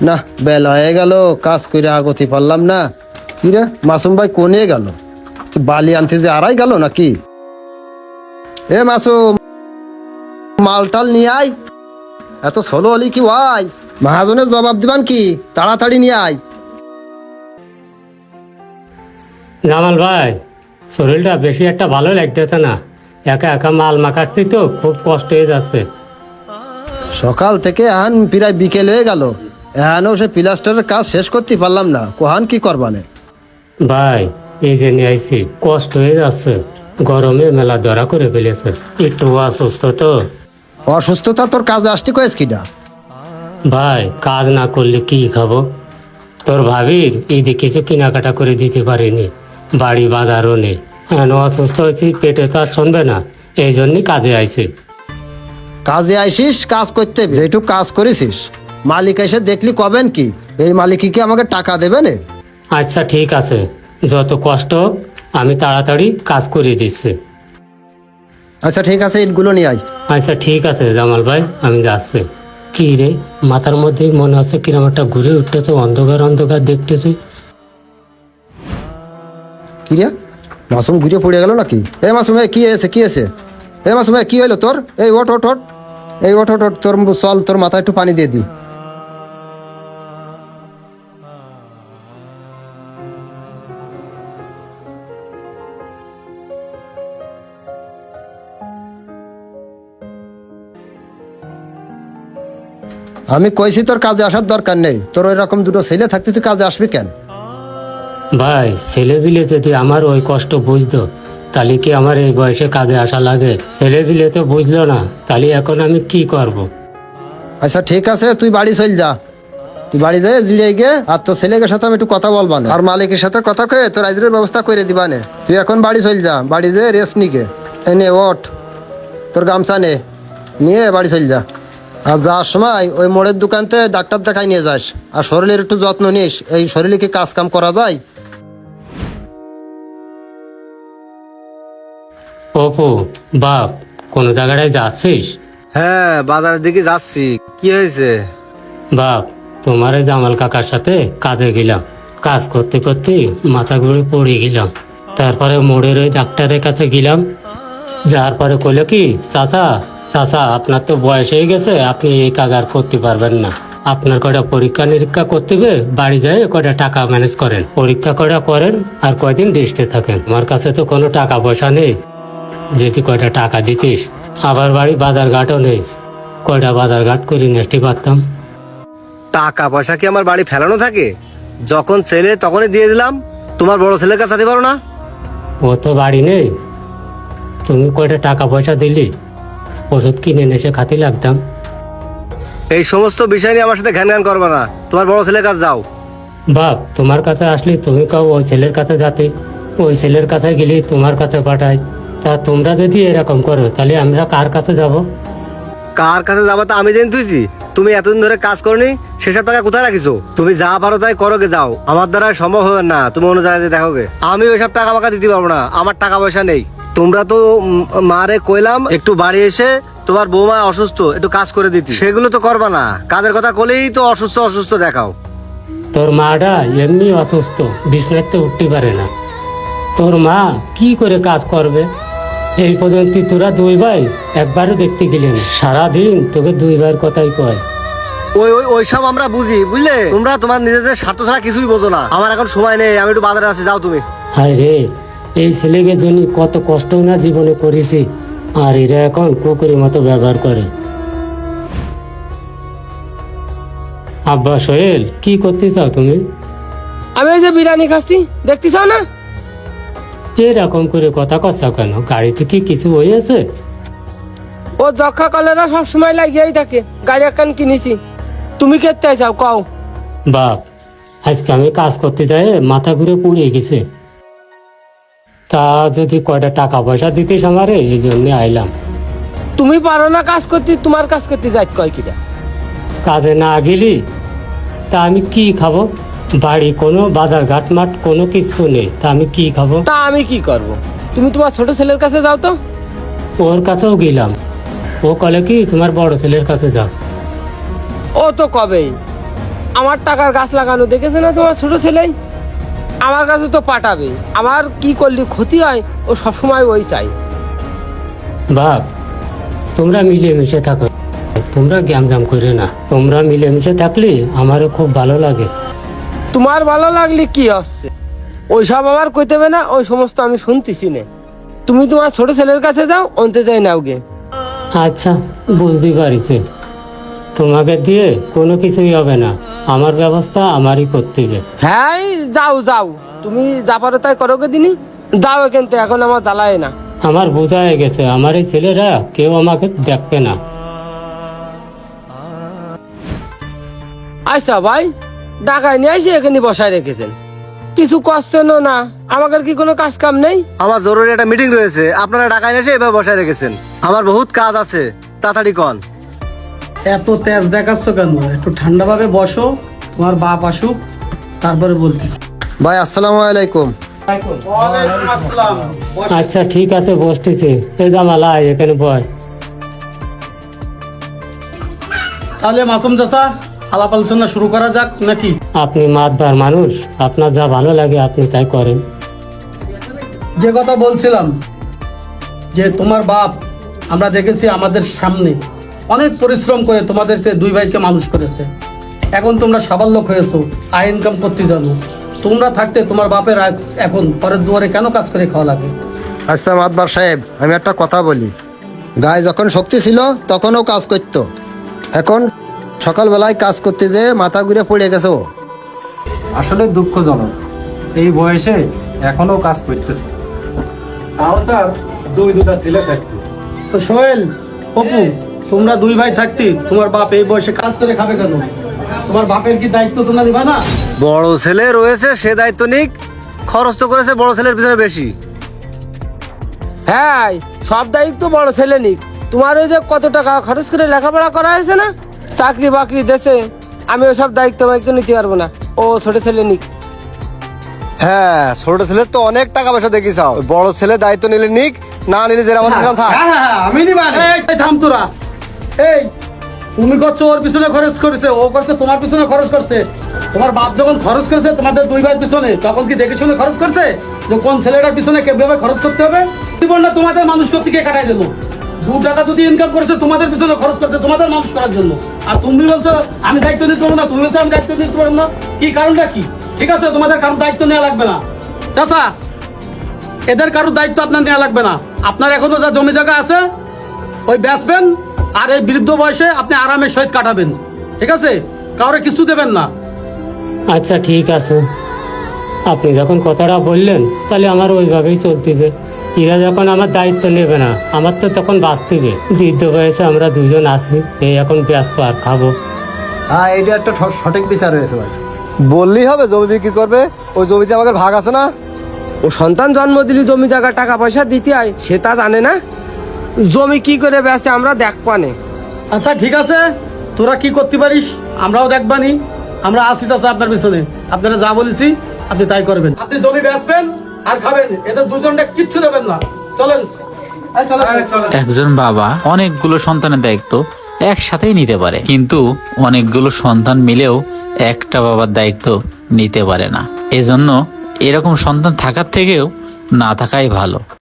না বেলা হয়ে গেল, কাজ করে আগতি পারলাম না। কি রে মাসুম ভাই কোনে গেল? বালি আনতে যে আড়াই গেল নাকি? এ মাসুম, মালটাল নিয়ে আয়। এত ষোলো হলি কি ভাই? মহাজনের জবাব দিবান কি? তাড়াতাড়ি নিয়ে আয়। জামাল ভাই, শরীরটা বেশি একটা ভালো লাগতেছে না। একা একা মাল মাখাচ্ছি তো, খুব কষ্ট হয়ে যাচ্ছে। সকাল থেকে এখন প্রায় বিকেল হয়ে গেল, এখনও সে প্লাস্টারের কাজ শেষ করতে পারলাম না। কোহান কি করবানে? ভাই, এই যে নিয়ে আইছি, কষ্ট হয়ে যাচ্ছে। গরমে মেলা ধরা করে ফেলেছে, একটু অসুস্থ তো। অসুস্থতা তোর কাজে আসতে কয়েস কিনা? ভাই, কাজ না করলে কি খাবো? তোর ভাবির ঈদে কিছু কেনাকাটা করে দিতে পারিনি, বাড়ি বাজারও নেই। এখন অসুস্থ হয়েছি, পেটে তো আর শুনবে না, এই জন্যই কাজে আইছি। কাজে আইসিস, কাজ করতে যেটুক কাজ করেছিস মালিক এসে দেখলি কবেন কি এই মালিক কি আমাকে টাকা দেবে না? আচ্ছা ঠিক আছে, যত কষ্ট হোক আমি তাড়াতাড়ি কাজ করে দিচ্ছি। আচ্ছা ঠিক আছে, ইটগুলো নিয়ে আয়। আচ্ছা ঠিক আছে জামাল ভাই, আমি যাচ্ছি। কি রে, মাথার মধ্যে মনে হচ্ছে কিরম একটা ঘুরে উঠতেছে, অন্ধকার অন্ধকার দেখতেছি। কি রে মাসুম ঘুরে পড়ে গেল নাকি? এ মাসুম, কি হয়েছে কি হয়েছে? এ মাসুম, কি হইলো তোর? এই ওঠ ওঠ ওঠ, এই ওঠ ওঠ ওঠ, তোর চল, তোর মাথায় একটু পানি দিয়ে দি। আমি কইছি তোর কাজে আসার দরকার নেই। তোর ওই রকম দুটো ছেলে থাকতে তুই কাজে আসবি কেন? ভাই, ছেলেবিলে যদি আমার ওই কষ্ট বুঝতো, তাহলে কি আমার এই বয়সে কাজে আসা লাগে? ছেলেবিলে তো বুঝলো না, তাহলে এখন আমি কি করব? আচ্ছা ঠিক আছে, তুই বাড়ি চল যা। তুই বাড়ি যাই জিড়ে গে, আর তোর ছেলেকে সাথে আমি একটু কথা বলবা না, আর মালিকের সাথে কথা কয়ে তোর আজরের ব্যবস্থা করে দিবা নে। তুই এখন বাড়ি চল যা, বাড়ি যেয়ে রেস্ট নিকে এনে ওঠ, তোর গামছা নে, নিয়ে বাড়ি চল যা। আর যাওয়ার সময় ওই মোড়ের দোকানতে ডাক্তার দেখাই নিয়ে যাস, আর শরীরের একটু যত্ন নিস। এই শরীরে কি কাজ কাম করা যায়? অপু, বাপ, কোন জায়গায় যাচ্ছিস? হ্যাঁ, বাজারের দিকে যাচ্ছি। কি হয়েছে? বাপ, তোমার এই জামাল কাকার সাথে কাজে গেলাম, কাজ করতে করতে মাথা ঘুরে পড়ে গেলাম। তারপরে মোড়ের ওই ডাক্তারের কাছে গেলাম, যাওয়ার পরে কইলো কি, চাচা চাচা আপনার তো বয়স হয়ে গেছে, আপনি এই কাজ আর করতে পারবেন না। আপনার কয়টা পরীক্ষা নিরীক্ষা করতে হবে, বাড়ি যায় কয়টা টাকা ম্যানেজ করেন, পরীক্ষা কয়টা করেন, আর কয়দিন রেস্টে থাকেন। আমার কাছে তো কোনো টাকা পয়সা নেই, যেহেতু কয়টা টাকা দিতিস। আবার বাড়ি বাজার ঘাটও নেই, কয়টা বাজার ঘাট করে নেস্টি পারতাম। টাকা পয়সা কি আমার বাড়ি ফেলানো থাকে? যখন ছেলে তখনই দিয়ে দিলাম। তোমার বড় ছেলের কাছে যেতে পারো না? ও তো বাড়ি নেই, তুমি কয়টা টাকা পয়সা দিলি, ওষুধ কিনে এসে খাতি লাগতাম। এই সমস্ত বিষয় নিয়ে আমার সাথে ঘ্যান ঘ্যান করবে না। তোমার বড় ছেলের কাছে যাও। বাপ, তোমার কাছে আসলে তুমি কাও ওই ছেলের কাছে যাতে, ওই ছেলের কাছে গেলে তোমার কাছে পাঠাই। তা তোমরা যদি এরকম করো, তাহলে আমরা কার কাছে যাব? কার কাছে যাবা তা আমি জেনে তুইছি। তুমি এতদিন ধরে কাজ করনি, সেসব টাকা কোথায় রাখিছো? তুমি যা পারো তাই করো গে, যাও। আমার দ্বারা সম্ভব হবে না, তুমি অন্য জায়গায় দেখো গে। আমি ওইসব টাকা মাকা দিতে পারবো না, আমার টাকা পয়সা নেই। তোমরা তো মারে কইলাম একটু বাড়ি এসে তোমার বৌমা অসুস্থ, একটু কাজ করে দিতে, সেগুলো তো করবা না। কাজের কথা কলেই তো অসুস্থ অসুস্থ দেখাও। তোর মাটা এমনি অসুস্থ, বিছনাতে উঠতে পারে না। তোর মা কি করে কাজ করবে? এই পর্যন্ত তোরা দুই ভাই একবারও দেখতে গেলি না, সারাদিন তোকে দুই ভাইয়ের কথাই কয়। ওই ওই ওইসব আমরা বুঝি, বুঝলে? তোমরা তোমার নিজেদের স্বার্থ ছাড়া কিছুই বোঝো না। আমার এখন সময় নেই, আমি একটু বাজারে আছি, যাও তুমি। হায় রে, এই ছেলেকে জন্য কত কষ্ট না জীবনে করেছি, আর এরা এখন কুকুরের মতো ব্যবহার করে। আব্বা সোহেল, কি করতে চাও তুমি? আমি এই যে বিরিয়ানি খাচ্ছি, দেখতে চাও না? এরকম করে কথা কচ্ছা কেন? গাড়িতে কি কিছু হয়েছে? ও যক্ষা কলেরা সব সময় লাগিয়েই থাকে। গাড়ি একখান কিনেছি, তুমি কেতে চাও কও? বাপ, আজকে আমি কাজ করতে যাই মাথা ঘুরে পুড়ে গেছে। তা যদি কয়টা টাকা পয়সা দিতিস আমারে, এই জন্য আইলাম। তুমি পারো না কাজ করতে, তোমার কাজ করতে যাই কয় কিনা? কাজে না গেলি তা আমি কি খাবো? বাড়ি কোনো বাজার ঘাট মাঠ কোনো কিছু নেই, তা আমি কি খাবো? তা আমি কি করব? তুমি তোমার ছোট ছেলের কাছে যাও তো। ওর কাছেও গেলাম, ও কলে কি তোমার বড় ছেলের কাছে যাও। ও তো কবেই, আমার টাকার গাছ লাগানো দেখেছে না তোমার ছোট ছেলেই? আমার কাছে তো পাঠাবে, আমার কি করলে ক্ষতি হয় ও সবসময় ওই চাই। বাপ, তোমরা মিলেমিশে থাকো, তোমরা গ্যামজাম করে না। তোমরা মিলেমিশে থাকলে আমারও খুব ভালো লাগে। তোমার ভালো লাগলে কি হচ্ছে? ওইসব আমার কইতে হবে না, ওই সমস্ত আমি শুনতেছি না। তুমি তোমার ছোট ছেলের কাছে যাও, অন্তে যাই নাও গে। আচ্ছা, বুঝতে পারিছি। তোমাকে দিয়ে কোনো কিছুই হবে না, আমার ব্যবস্থা আমারই করতে হবে। হ্যাঁ, যাও যাও, তুমি যা পারো তাই করো গে দিনি। যাও এখান থেকে, এখন আমার জ্বালায় না। আমার বোঝা হয়ে গেছে, আমার এই ছেলেরা কেউ আমাকে দেখবে না। আচ্ছা ভাই, ঢাকায় নিয়ে এসে এখানে বসায় রেখেছেন, কিছু করছেনও না। আমাদের কি কোনো কাজ কাম নেই? আমার জরুরি একটা মিটিং রয়েছে, আপনারা ঢাকায় এসে এভাবে বসায় রেখেছেন। আমার বহুত কাজ আছে, তাড়াতাড়ি কন। এত তেজ দেখাচ্ছ কেন? একটু ঠান্ডা ভাবে বসো, তোমার বাপ আসুক, তারপরে বলতেছি। ভাই আসসালামু আলাইকুম। ওয়ালাইকুম আসসালাম। বসো। আচ্ছা ঠিক আছে, বসতেছি। এই জামাল আয়, এখানে বয়। তাহলে মাসুম চাচা, আলাপ আলোচনা শুরু করা যাক নাকি? আপনি মাতবার মানুষ, আপনার যা ভালো লাগে আপনি তাই করেন। যে কথা বলছিলাম, যে তোমার বাপ আমরা দেখেছি আমাদের সামনে অনেক পরিশ্রম করে তোমাদেরকে দুই ভাইকে মানুষ করেছে। এখন তোমরা সাবাল্যক হয়েছো, আয় ইনকাম করতে জানো। তোমরা থাকতে তোমার বাপের এখন পরের দুয়ারে কেন কাজ করে খাওয়া লাগে? আচ্ছা মাতবার সাহেব, আমি একটা কথা বলি। গায়ে যখন শক্তি ছিল তখনও কাজ করতো, এখন সকালবেলায় কাজ করতে যেয়ে মাথা ঘুরে পড়ে গেছে ও। আসলে দুঃখজনক, এই বয়সে এখনো কাজ করতেছে, তাও তার দুটা ছেলে থাকতো। তো সোহেল, অপু, তোমরা দুই ভাই থাকতে তোমার বাপ এই বয়সে কাজ করে খাবে কেন? তোমার বাপের কি দায়িত্ব তোমরা নিবা না? বড় ছেলে রয়েছে, সে দায়িত্ব নিক। খরচ তো করেছে বড় ছেলের পিছনে বেশি। হ্যাঁ, সব দায়িত্ব বড় ছেলে নিক। তোমার ওই যে কত টাকা খরচ করে লেখাপড়া করা হয়েছে না, চাকরি বাকরি দেশে, আমি ওসব দায়িত্ব নিতে পারবো না। ও ছোট ছেলে নিক। হ্যাঁ, ছোট ছেলের তো অনেক টাকা পয়সা দেখি চাও, বড় ছেলে দায়িত্ব নিলে নিক, না নিলে যে আমার সেখানে থাক। হ্যাঁ, আমি নিবা। এই থাম তোরা। এই তুমি করছো ওর পিছনে খরচ করেছে, ও করছে তোমার পিছনে খরচ করছে। তোমার বাপ যখন খরচ করেছে তোমাদের দুই ভাইয়ের পিছনে, তখন কি দেখে শুনে খরচ করছে যে কোন ছেলেটার পিছনে কিভাবে খরচ করতে হবে? জীবনটা তোমাদের মানুষ করতে গিয়ে কাটাই দিল। 2 টাকা যদি ইনকাম করেছে তোমাদের পিছনে খরচ করছে তোমাদের মানুষ করার জন্য, আর তুমি বলছো আমি দায়িত্ব নিতে পারবো না, তুমি বলছো আমি দায়িত্ব নিতে পারবো না। কি কারণটা কি? ঠিক আছে, তোমাদের কারোর দায়িত্ব নেওয়া লাগবে না। চাচা, এদের কারোর দায়িত্ব আপনার নেওয়া লাগবে না। আপনার এখনো যা জমি জায়গা আছে ওই বেচবেন, আর এই বৃদ্ধ বয়সে আপনি আরামের সহিত কাটাবেন। ঠিক আছে, কাউরে কিছু দেবেন না। আচ্ছা ঠিক আছে, আপনি যখন কথাটা বললেন তাহলে আমার ওইভাবেই চলতে হবে। এরা যখন আমার দায়িত্ব নেবে না, আমার তো তখন বাঁচতে হবে। বৃদ্ধ বয়সে আমরা দুজন আছি, এই এখন ব্যস্ত আর খাবো। হ্যাঁ, এইটা একটা সঠিক বিচার হয়েছে ভাই। বললেই হবে জমি বিক্রি করবে, ওই জমিতে আমাদের ভাগ আছে না। ও সন্তান জন্ম দিলি জমি জায়গা টাকা পয়সা দিতে হয়, সে তা জানে না। জমি কি করে বেচে আমরা দেখবানে। আচ্ছা ঠিক আছে, তোরা কি করতে পারিস আমরাও দেখবানি। আমরা আছি চাচা আপনার পিছনে, আপনারা যা বলেছি আপনি তাই করবেন। আপনি জমি বেচবেন আর খাবেন, এদের দুজনটা কিচ্ছু দেবেন না। চলেন, এই চলেন। একজন বাবা অনেকগুলো সন্তানের দায়িত্ব একসাথেই নিতে পারে, কিন্তু অনেকগুলো সন্তান মিলেও একটা বাবার দায়িত্ব নিতে পারে না। এজন্য এরকম সন্তান থাকার থেকেও না থাকাই ভালো।